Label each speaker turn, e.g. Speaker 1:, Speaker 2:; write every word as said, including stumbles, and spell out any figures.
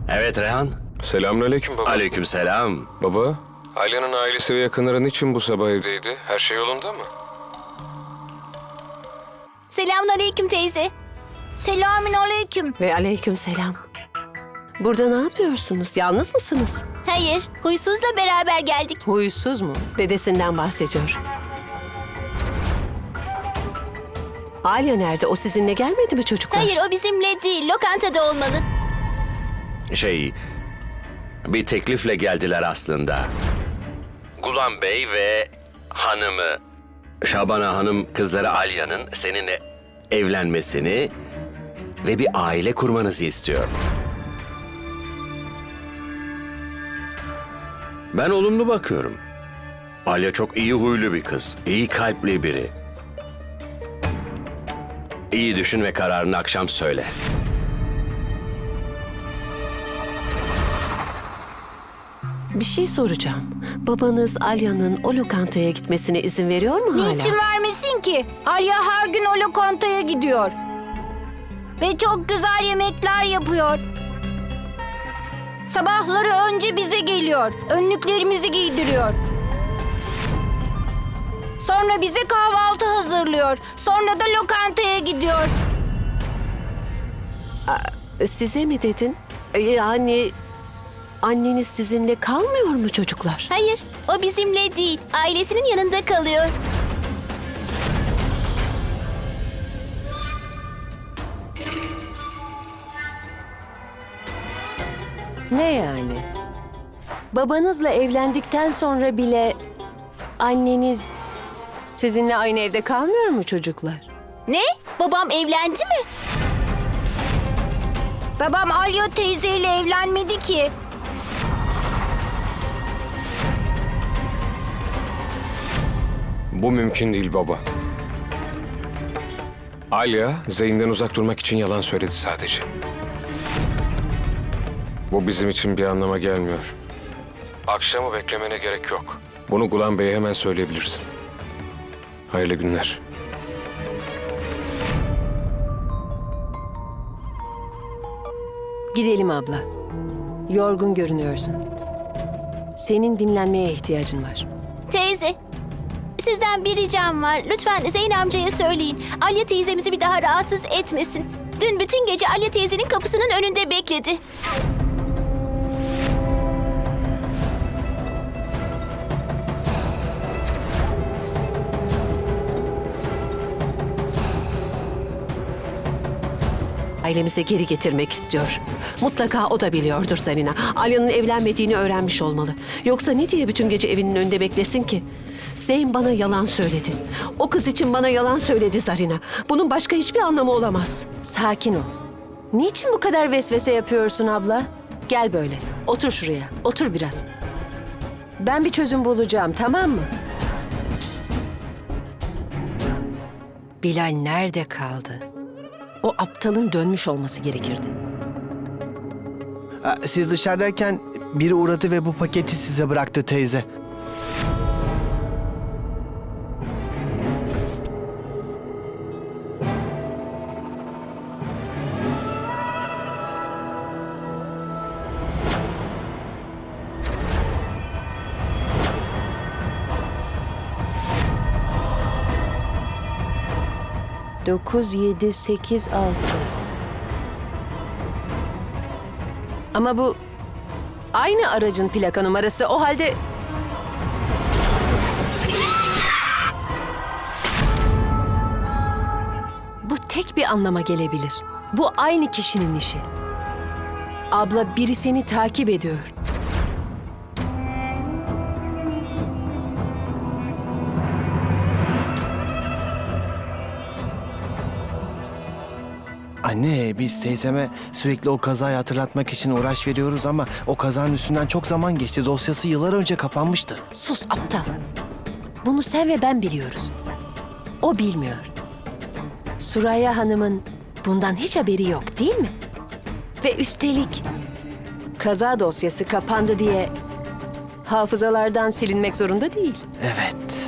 Speaker 1: Evet Rehan.
Speaker 2: Selamünaleyküm baba.
Speaker 1: Aleykümselam.
Speaker 2: Baba, Alya'nın ailesi ve yakınları niçin bu sabah evdeydi? Her şey yolunda mı?
Speaker 3: Selamünaleyküm teyze.
Speaker 4: Selamünaleyküm.
Speaker 5: Ve aleykümselam. Burada ne yapıyorsunuz? Yalnız mısınız?
Speaker 3: Hayır, huysuzla beraber geldik.
Speaker 5: Huysuz mu? Dedesinden bahsediyor. Alya nerede? O sizinle gelmedi mi çocuklar?
Speaker 3: Hayır, o bizimle değil, lokantada olmalı.
Speaker 1: Şey, bir teklifle geldiler aslında. Gulam Bey ve hanımı, Şabana Hanım kızları Alya'nın seninle evlenmesini ve bir aile kurmanızı istiyor. Ben olumlu bakıyorum. Alya çok iyi huylu bir kız, iyi kalpli biri. İyi düşün ve kararını akşam söyle.
Speaker 5: Bir şey soracağım. Babanız Alya'nın o lokantaya gitmesine izin veriyor mu hala?
Speaker 4: Niçin vermesin ki? Alya her gün o lokantaya gidiyor. Ve çok güzel yemekler yapıyor. Sabahları önce bize geliyor. Önlüklerimizi giydiriyor. Sonra bize kahvaltı hazırlıyor. Sonra da lokantaya gidiyor.
Speaker 5: Size mi dedin? Yani anneniz sizinle kalmıyor mu çocuklar?
Speaker 3: Hayır, o bizimle değil, ailesinin yanında kalıyor.
Speaker 6: Ne yani? Babanızla evlendikten sonra bile anneniz sizinle aynı evde kalmıyor mu çocuklar?
Speaker 3: Ne? Babam evlendi mi?
Speaker 4: Babam Alya teyzeyle evlenmedi ki.
Speaker 2: Bu mümkün değil baba. Alya, Zeyn'den uzak durmak için yalan söyledi sadece. Bu bizim için bir anlama gelmiyor. Akşamı beklemene gerek yok. Bunu Gulam Bey'e hemen söyleyebilirsin. Hayırlı günler.
Speaker 6: Gidelim abla. Yorgun görünüyorsun. Senin dinlenmeye ihtiyacın var.
Speaker 3: Teyze, sizden bir ricam var. Lütfen Zeyn amcaya söyleyin. Alya teyzemizi bir daha rahatsız etmesin. Dün bütün gece Alya teyzenin kapısının önünde bekledi.
Speaker 5: Ailemize geri getirmek istiyor. Mutlaka o da biliyordur Zarina. Alya'nın evlenmediğini öğrenmiş olmalı. Yoksa ne diye bütün gece evinin önünde beklesin ki? Zeyn bana yalan söyledi. O kız için bana yalan söyledi Zarina. Bunun başka hiçbir anlamı olamaz.
Speaker 6: Sakin ol. Niçin bu kadar vesvese yapıyorsun abla? Gel böyle. Otur şuraya. Otur biraz. Ben bir çözüm bulacağım, tamam mı? Bilal nerede kaldı? O aptalın dönmüş olması gerekirdi.
Speaker 7: Siz dışarıdayken biri uğradı ve bu paketi size bıraktı teyze.
Speaker 6: Dokuz, yedi, sekiz, altı. Ama bu aynı aracın plaka numarası. O halde... Bu tek bir anlama gelebilir. Bu aynı kişinin işi. Abla, biri seni takip ediyor.
Speaker 7: Anne, biz teyzeme sürekli o kazayı hatırlatmak için uğraş veriyoruz ama o kazanın üstünden çok zaman geçti. Dosyası yıllar önce kapanmıştı.
Speaker 6: Sus aptal. Bunu sen ve ben biliyoruz. O bilmiyor. Suraya Hanım'ın bundan hiç haberi yok, değil mi? Ve üstelik kaza dosyası kapandı diye hafızalardan silinmek zorunda değil.
Speaker 7: Evet.